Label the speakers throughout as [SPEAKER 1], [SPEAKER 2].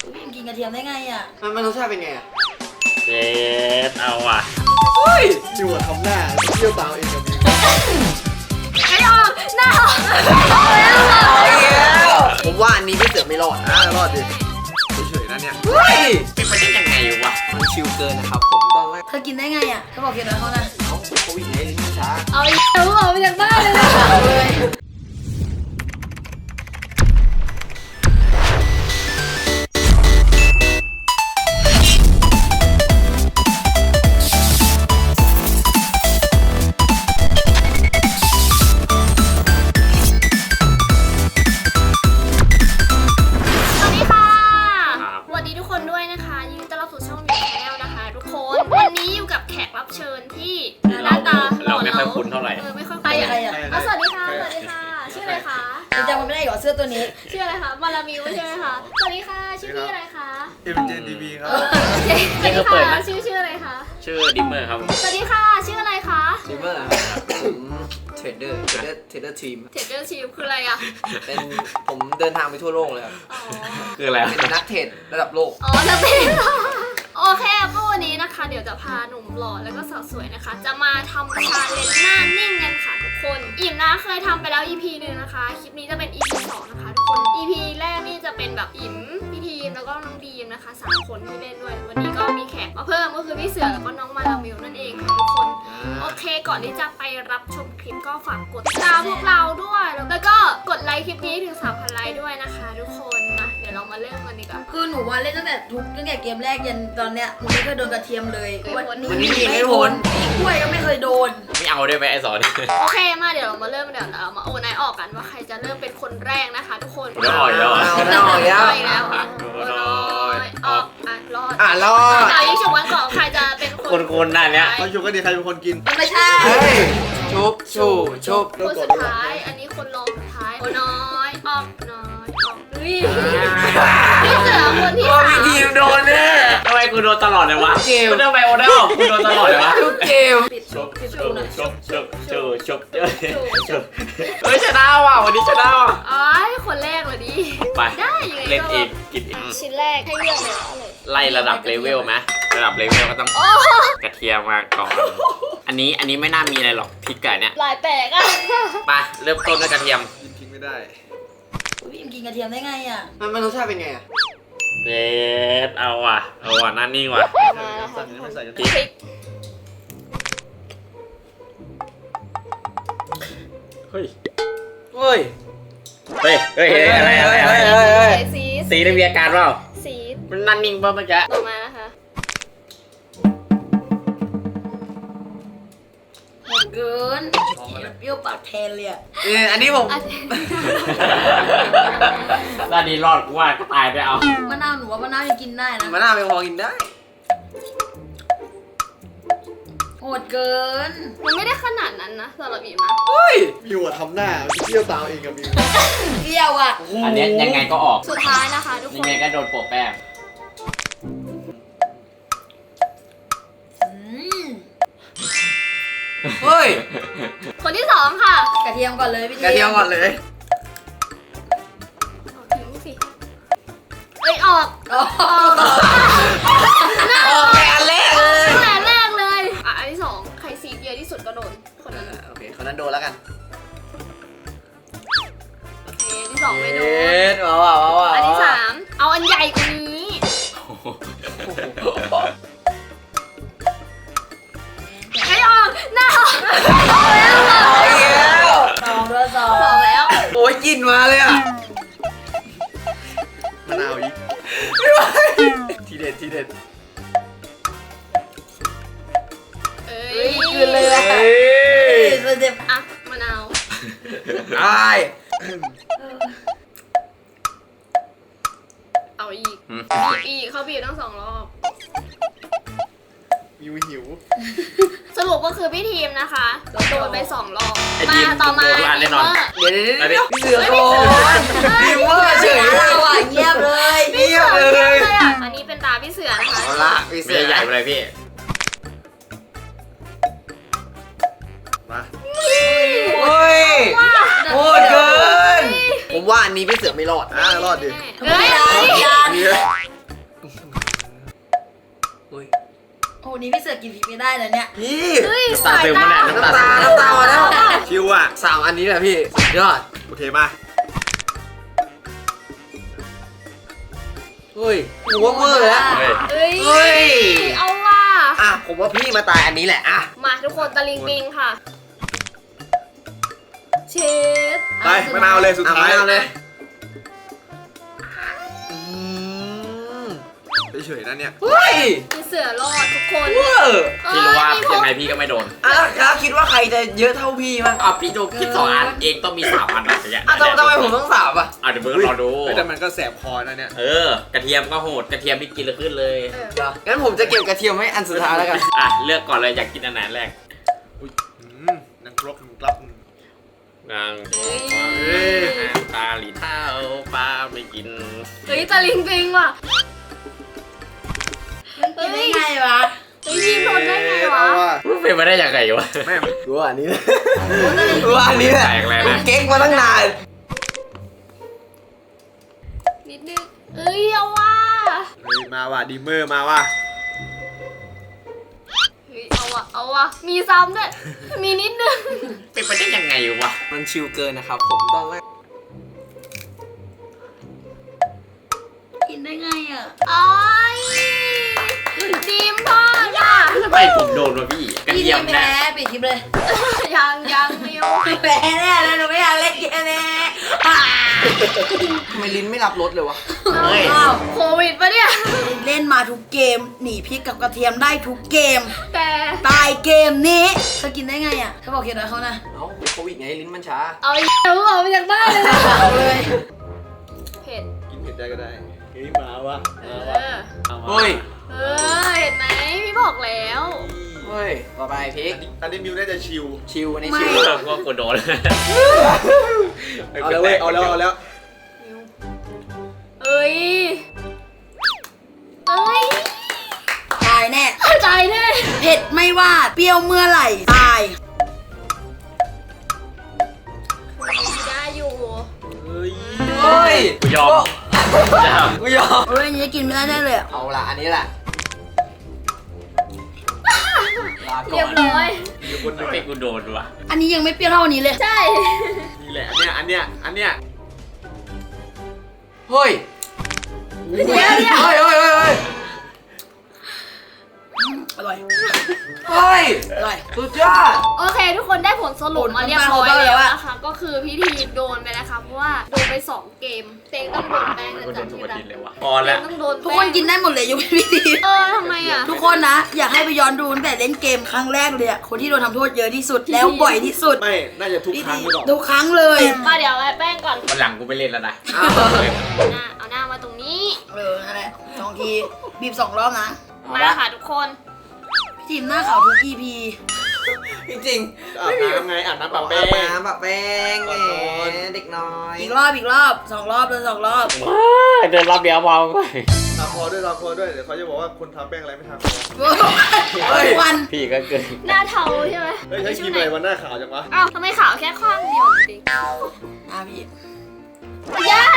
[SPEAKER 1] พี่กินกระเทียมได้ไงอ่ะ
[SPEAKER 2] มันรสชาติเป็นไงอ่ะ
[SPEAKER 3] เจ็ดเอาว่ะ
[SPEAKER 2] เฮ้ยดูทำหน้าเที่ยวตามเองกับมี
[SPEAKER 1] ไม่ออกหน้าออก
[SPEAKER 2] ผมว่าอันนี้พี่เสือไม่รอดรอดดิเฉยๆนะเนี่ย
[SPEAKER 3] เป็นไปได้ยังไงวะ
[SPEAKER 2] มันชิลเกินนะครับผมตอนแรก
[SPEAKER 1] เธอกินได้ไงอ่ะเธอบอกกินอะไรเขานะ
[SPEAKER 2] เขาโควิดไงลิ้นช้า
[SPEAKER 1] เอาอีกแล้วออกไปจากบ้านเลยนะ
[SPEAKER 3] เชิญที่หน้าตาเราไม่ค่อยคุ้นเท่าไหร่
[SPEAKER 1] ไม่ค่อยใครอ่ะ
[SPEAKER 4] สวัสดีค่ะสวัสดีค่ะชื่ออะไรคะ
[SPEAKER 1] จำมันไม่ได้หรอเสื้อตัวนี้
[SPEAKER 4] ชื่ออะไรคะมาลามิวใช่ไหมคะสวัสดีค่ะชื่อพี่อะไรคะ
[SPEAKER 2] MJTV ครับ
[SPEAKER 4] สวัสดีค่ะชื่ออะไรคะ
[SPEAKER 3] ชื่อดิมเมอร์ครับ
[SPEAKER 4] สวัสดีค่ะชื่ออะไรคะ
[SPEAKER 2] ดิมเมอร์เทรดเดอร์ทีม
[SPEAKER 4] คืออะไรอ่ะ
[SPEAKER 2] เป็นผมเดินทางไปทั่วโลกเลยครับ
[SPEAKER 3] คืออะไร
[SPEAKER 2] เป็นนักเทรดระดับโลก
[SPEAKER 4] นักเทรดโอเคก็วันนี้นะคะเดี๋ยวจะพาหนุ่มหล่อแล้วก็สาวสวยนะคะจะมาทำชาเลนจ์หน้านิ่งกันค่ะทุกคนอิ่มนะเคยทำไปแล้ว EP หนึ่งนะคะคลิปนี้จะเป็น EP 2นะคะทุกคน EP แรกนี่จะเป็นแบบอิ่มพี่ทีมแล้วก็น้องดีมนะคะ3คนที่เล่นด้วยวันนี้ก็มีแขกมาเพิ่มก็คือพี่เสือแล้วก็น้องมาลามิวนั่นเองค่ะทุกคนโอเคก่อนที่จะไปรับชมคลิปก็ฝากกดติดตามพวกเราด้วยแล้วก็กดไลค์คลิปนี้ถึง 3,000 ไลค์ด้วยนะคะทุกคนมาเดี๋ยวเรามาเริ่มกันดีกว่า
[SPEAKER 1] คือหนูว่าเล่นตั้งแต่เกมแรกยันตอนเนี้ยหนูไม่เคยโดนกระเทียมเลย
[SPEAKER 2] วันนี้ไม่พ้น
[SPEAKER 1] กล้วยก็ไม่เคยโดน
[SPEAKER 3] ไม่เอาได้ไหมไอ้สอน
[SPEAKER 4] โอเคมาเดี๋ยวเรามาเริ่มเดี๋ยวเรามาโอนายออกกันว่าใครจะเริ่มเป็นคนแรกนะคะทุกคน
[SPEAKER 3] รอดแล้ว
[SPEAKER 4] แล้วออกรอดเอายิ่งฉุกวันก่อนใครจะเป็น
[SPEAKER 3] คนนั่นเนี้ย
[SPEAKER 2] เขาชุบก็ดีใครเป็นคนกิน
[SPEAKER 1] ไม่ใช่
[SPEAKER 2] ชุบ
[SPEAKER 4] คนสุดท้ายอันนี้คนรองสุดท้ายน้อยออกพี่เสือคนที่
[SPEAKER 3] 3ทีมโดนเนี่ยทำไมกูโดนตลอดเลยวะ
[SPEAKER 2] เกม
[SPEAKER 3] ทำไมโอเดอร์กูโดนตลอดเลยวะ
[SPEAKER 2] ทุกเกม
[SPEAKER 3] ชบเฮ้ยชนะว่ะวันนี้ชนะว่ะ
[SPEAKER 4] คนแรกเลยดิ
[SPEAKER 3] ไป
[SPEAKER 4] ได้ยังไง
[SPEAKER 3] เล่นอีกกินอีก
[SPEAKER 4] ชิ้นแรกให้เลือกเลย
[SPEAKER 3] ไล่ระดับเลเวลไหมระดับเลเวลก็ต้องกระเทียมมาก่อนอันนี้ไม่น่ามีอะไรหรอกพริกไก่เนี่ย
[SPEAKER 4] ลายแปลกอ่ะ
[SPEAKER 3] ไปเริ่มต้นด้วยกระเทียม
[SPEAKER 2] กินไม่ได้
[SPEAKER 1] พี่กินกระเทียมได้ไงอ่ะ
[SPEAKER 2] มันรสชาติเป็นไงอ่ะ
[SPEAKER 3] เจ็ดเอาว่ะนั่นนิ่งว่ะ
[SPEAKER 4] พริก
[SPEAKER 3] เฮ้ยอะไรสีได้มีอาการเปล่า
[SPEAKER 4] สี
[SPEAKER 3] มันนั่นนิ่งป่ะเมื่อกี้
[SPEAKER 4] ต่อมานะคะ
[SPEAKER 1] เกินเปรี้ยวปากแทนเลยอ่ะ
[SPEAKER 2] อันนี้ผม
[SPEAKER 3] ด้านนี้รอดกูว่าก็ตายไปเอา
[SPEAKER 1] มะนาวหนูว่ามะนาวยังกินได้นะ
[SPEAKER 2] มะนาวยังพอกินได้
[SPEAKER 1] โหดเกิน
[SPEAKER 4] มันไม่ได้ขนาดนั้นนะสำหรับอิ่มนะ
[SPEAKER 2] มิวทำหน้าเที่ยวตามเองกับมิว
[SPEAKER 1] เที่ยวอ่ะ
[SPEAKER 3] อันนี้ยังไงก็ออก
[SPEAKER 4] สุดท้ายนะคะทุกคน
[SPEAKER 3] ยังไงก็โดนโปะแป้ง
[SPEAKER 4] คนที่2ค่ะ
[SPEAKER 1] กระเทียมก่อนเลยพี่
[SPEAKER 2] กระเทียมก่อนเลย
[SPEAKER 4] ออก
[SPEAKER 2] ไปอันแรกเลย
[SPEAKER 4] อันที่2ใครซีเยอะที่สุดก็โดนคนนั้น
[SPEAKER 2] โอเคคนนั้นโดนแล้วกัน
[SPEAKER 4] โอเคที่2ไม่โดน
[SPEAKER 2] อั
[SPEAKER 4] นที่3เอาอันใหญ่กว่านี้ไม่ออกหน้า
[SPEAKER 1] สอง
[SPEAKER 4] แล้ว
[SPEAKER 2] โอ้ยกินมาเลยอ่ะมะนาวอีกทีเด็ด
[SPEAKER 1] คืนเลยอ่ะ
[SPEAKER 4] อ่ะมะนาวเอาอีกเขาบีบทั้ง2 รอบ
[SPEAKER 2] หิว
[SPEAKER 4] สรุปก็คือพี่ทีมนะคะโดนไป2 รอบมาต่อมา
[SPEAKER 3] เดี๋ยว
[SPEAKER 2] พี่เสือโดนดิมเมอร์เฉย
[SPEAKER 1] เงียบเลย
[SPEAKER 4] อันนี้เป็นตาพี่เสือนะคะ
[SPEAKER 2] เอาละพี่เสือ
[SPEAKER 3] ใหญ่ไปเลยพี่
[SPEAKER 2] มาโหดเกินผมว่าอันนี้พี่เสือไม่รอดรอดดิ
[SPEAKER 1] วันนี้พี่เสือกินพริกไม่ได้นะเนี่ย
[SPEAKER 2] พี่
[SPEAKER 4] เฮ้ย
[SPEAKER 3] ตา
[SPEAKER 4] สาย
[SPEAKER 3] ซึม
[SPEAKER 4] ตา
[SPEAKER 3] มาแน่น้ำตา
[SPEAKER 2] น้ำตามาแล้ว
[SPEAKER 5] ชิวอ่ะ
[SPEAKER 2] 3 อันนี้แหละพี่สุดยอด
[SPEAKER 5] โอเคมา
[SPEAKER 2] เฮ้ยผมว่าเวอร์แล้ว
[SPEAKER 3] เฮ้ย
[SPEAKER 4] เฮ้ย
[SPEAKER 2] เฮ้ย
[SPEAKER 4] เอาว่ะ
[SPEAKER 2] อ่ะผมว่าพี่มาตายอันนี้แหละอ่ะ
[SPEAKER 4] มาทุกคนตะลิงปิงค่ะ เชฟ
[SPEAKER 5] ไปมะนาวเลยสุดท้าย
[SPEAKER 2] เอาเลย
[SPEAKER 5] เฉยๆนะเนี่ย
[SPEAKER 2] เฮ้ย
[SPEAKER 4] พี่เสือรอดทุกคน
[SPEAKER 2] เวอร์
[SPEAKER 3] พี่รู้ว่า
[SPEAKER 4] เออ
[SPEAKER 3] ยังไงพี่ก็ไม่โดน
[SPEAKER 2] อ่ะแล้วคิดว่าใครจะเยอะเท่าพี่มั้ง
[SPEAKER 3] อ่ะพี่โดนคิด2 อันเองต้องมี3 อันอะอย่างเงี้ย
[SPEAKER 2] อ่ะทำไมผมต้อง3อ่ะ
[SPEAKER 3] อ่ะเดี๋ยวเบิร์ดรอดู
[SPEAKER 5] เฮ้ยแต่มันก็แสบคอนะเนี่ย
[SPEAKER 3] กระเทียมก็โหดกระเทียมนี่กินแล้วขึ้นเลย
[SPEAKER 2] งั้นผมจะเก็บกระเทียมไว้อันสุดท้ายแล้วกัน
[SPEAKER 3] อ่ะเลือกก่อนเลยอยากกินอันไหนแรก
[SPEAKER 5] นังครกกลับ
[SPEAKER 3] นาง
[SPEAKER 5] เฮ้ย
[SPEAKER 3] น้ำตาลีเท้าปลาไม่กิน
[SPEAKER 4] เฮ้ยตะลิงปิงว่ะ
[SPEAKER 1] กินได้ไงวะ
[SPEAKER 4] เฮ้ยทีมทนได้ไงวะ
[SPEAKER 5] เอาว่ะ
[SPEAKER 3] มันเป็นมาได้ยังไงวะ
[SPEAKER 5] แม่ง
[SPEAKER 2] กูว่าอันนี้แหละกูว่าอันนี้แหละ
[SPEAKER 3] แปลกเลยนะ
[SPEAKER 2] ผมเก๊กมาตั้งนาน
[SPEAKER 4] นิดนึงเอ้ยเอาว่ะ
[SPEAKER 5] เฮ้ยมาว่ะดีเมอร์มาว่ะ
[SPEAKER 4] เฮ้ยเอาว่ะเอาว่ะมีซ้ำด้วยมีนิดนึง
[SPEAKER 3] เป็นไปได้ยังไงวะ
[SPEAKER 2] มันชิลเกินนะครับผมตอนแรก
[SPEAKER 1] กินได้ไงอ่ะ
[SPEAKER 4] อ้อยทีมพอดอ่ะ
[SPEAKER 3] ทำไมผมโดนวะพี่กระ
[SPEAKER 1] พี่
[SPEAKER 3] เทียม
[SPEAKER 1] แพ้
[SPEAKER 3] เนี่ย
[SPEAKER 1] ปิดคลิปเลย
[SPEAKER 4] ยังมิว
[SPEAKER 1] แพ้แน่เลยหนูไม่อยากเล่นเกมแน่อ่า
[SPEAKER 2] ทำไมลิ้นไม่รับรสเลยวะ
[SPEAKER 3] เฮ้ย
[SPEAKER 1] อ้าว
[SPEAKER 4] โควิดปะเนี่ย
[SPEAKER 1] เล่นมาทุกเกม หนีพริกกับกระเทียมได้ทุกเกม
[SPEAKER 4] แต่
[SPEAKER 1] ตายเกมนี้เธอกินได้ไงอ่ะเธอบอกเขียนอะไรเขานะ
[SPEAKER 2] เอ้าโควิดไงลิ้นมันช้า
[SPEAKER 4] เอาอีกแล้วออกมาจากบ้านเลยนะ
[SPEAKER 1] เอาเลย
[SPEAKER 4] เผ็ด
[SPEAKER 5] กินเผ็ดได้ก็ได้เฮ้ยมาว่ะ
[SPEAKER 4] เอ
[SPEAKER 5] มาว่ะ
[SPEAKER 4] อ
[SPEAKER 5] เอามา
[SPEAKER 2] เฮ้ย
[SPEAKER 4] เห็นไหมพี่บอกแล้ว
[SPEAKER 2] เฮ้ย ต่อไปพริก
[SPEAKER 5] อันนี้มิวน่าจะชิว
[SPEAKER 2] ชิลอันนี้
[SPEAKER 1] ไม่
[SPEAKER 2] ชิล
[SPEAKER 3] เราก็กลัวโดน
[SPEAKER 5] เอาแล้วเว้ยเอาแล้วเอาแล้ว
[SPEAKER 4] เอ้ยเอ้ย
[SPEAKER 1] ตายแน่
[SPEAKER 4] ใจแน่
[SPEAKER 1] เผ็ดไม่ว่าเปรี้ยวเมื่อไหร่ ตาย
[SPEAKER 4] ได้อยู่
[SPEAKER 5] เฮ้ย
[SPEAKER 2] เฮ้ย
[SPEAKER 3] กูยอม
[SPEAKER 2] กูยอม
[SPEAKER 1] โอ้ยอันนี้กินไม่ได้แน่เลยอะ
[SPEAKER 2] เอาละอันนี้แหละลาก่
[SPEAKER 4] เรีย
[SPEAKER 2] อบ น
[SPEAKER 4] ร้อย
[SPEAKER 5] อยู่คนหนึ่ง
[SPEAKER 3] ไม่กูโดนว่ะ
[SPEAKER 1] อันนี้ยังไม่เปรี้ยวเท่าอันนี้เลย
[SPEAKER 4] ใช่
[SPEAKER 5] นี่แหละอันเนี้ย
[SPEAKER 2] เฮ้ย
[SPEAKER 4] เดี๋ยว
[SPEAKER 2] เฮ้ยเฮ้ยเฮ้ยเฮ้ย
[SPEAKER 1] อร่อย
[SPEAKER 2] เฮ้ย
[SPEAKER 1] อร่อย
[SPEAKER 2] สุดยอด
[SPEAKER 4] โอเค ทุกคนได้ผลสรุปมาเรียบร้อย
[SPEAKER 1] ผลน้ำตาล
[SPEAKER 4] แล้ว
[SPEAKER 1] เขาได้แล้วอะ
[SPEAKER 4] นะคะ ก็คือพี่ทีมโดนไปนะคะเพราะว่าโดนไป 2 เกมเตงต้องโดนแป้ง
[SPEAKER 3] กู
[SPEAKER 4] นะ
[SPEAKER 3] โด
[SPEAKER 4] จ๊ะ
[SPEAKER 3] นทุก
[SPEAKER 4] ที่
[SPEAKER 3] อา
[SPEAKER 4] รั
[SPEAKER 3] ทิ
[SPEAKER 4] ก
[SPEAKER 3] ตย์เลยวะพอ
[SPEAKER 4] เต
[SPEAKER 3] แล้ว
[SPEAKER 4] งต้องโดน
[SPEAKER 1] ทุกคนกินได้หมดเลยยกเว้นพี่ที
[SPEAKER 4] ทำไมอ่ะ
[SPEAKER 1] ทุกคนนะ อยากให้ไปย้อนดูตั้งแต่เล่นเกมครั้งแรกเลยอะคนที่โดนทำโทษเยอะที่สุดแล้วบ่อยที่สุด
[SPEAKER 5] ไม่น่าจะทุกครั้งหรือเปล่า
[SPEAKER 1] ทุกครั้งเลย
[SPEAKER 4] มาเดี๋ยวไอ้แป้งก่อน
[SPEAKER 3] วันหลังกูไม่เล่นแล้วนะ
[SPEAKER 4] เอาหน้ามาตรงนี้
[SPEAKER 1] นั่นแหละ2 ทีบีบ2 รอบนะ
[SPEAKER 4] มาค่ะทุกคน
[SPEAKER 1] พี่ทีมหน้าขาวทุก EP
[SPEAKER 2] จริง
[SPEAKER 5] อาบน้ำไงอาบน้ำปะ
[SPEAKER 2] ๆ
[SPEAKER 5] แป้ง
[SPEAKER 2] น้ำปะแป้งแหมเด็กน้อย
[SPEAKER 1] อีกรอบ2 รอบเลย2 รอบ
[SPEAKER 3] เดินรอบเดียวพอไป
[SPEAKER 5] ทาคอด้วยเดี๋ยวเขาจะบอกว่าคนทาแป้งอะไรไม่ทาคอ
[SPEAKER 1] วัน
[SPEAKER 3] พี่ก็เกิน
[SPEAKER 4] หน้าเทาใช่ไหม
[SPEAKER 5] เฮ้ยใช้ครีมอะไรวันหน้าขาวจังวะ
[SPEAKER 4] อ้าวทำไมขาวแค่ข้างเดียวจริง
[SPEAKER 1] พี่
[SPEAKER 4] ย่า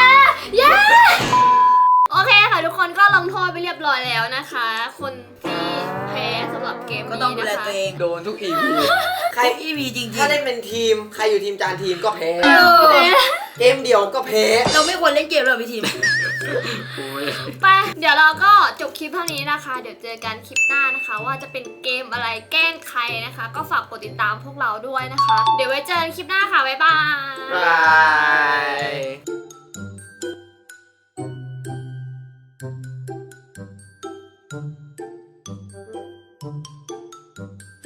[SPEAKER 4] โอเคค่ะทุกคนก็ลงโทษไปเรียบร้อยแล้วนะคะ คนที่แพ้สำหรับเกม
[SPEAKER 1] ก็
[SPEAKER 4] นี้
[SPEAKER 1] ต้องดูแล
[SPEAKER 4] นะคะ
[SPEAKER 1] ตัวเอง
[SPEAKER 2] โดนทุก EP
[SPEAKER 1] ใคร EP จริง
[SPEAKER 2] ถ้าเล่นเป็นทีม ใครอยู่ทีมจานทีมก็แพ้
[SPEAKER 1] เออ
[SPEAKER 2] เกมเดียวก็แพ้
[SPEAKER 1] เราไม่ควรเล่นเกมเลยพี่ทีม
[SPEAKER 4] ไปเดี๋ยวเราก็จบคลิปเท่านี้นะคะ เดี๋ยวเจอกันคลิปหน้านะคะ ว่าจะเป็นเกมอะไรแกล้งใครนะคะ ก็ฝากกดติดตามพวกเราด้วยนะคะ เดี๋ยวไว้เจอกันคลิปหน้าค่ะบ๊ายบาย
[SPEAKER 2] บาย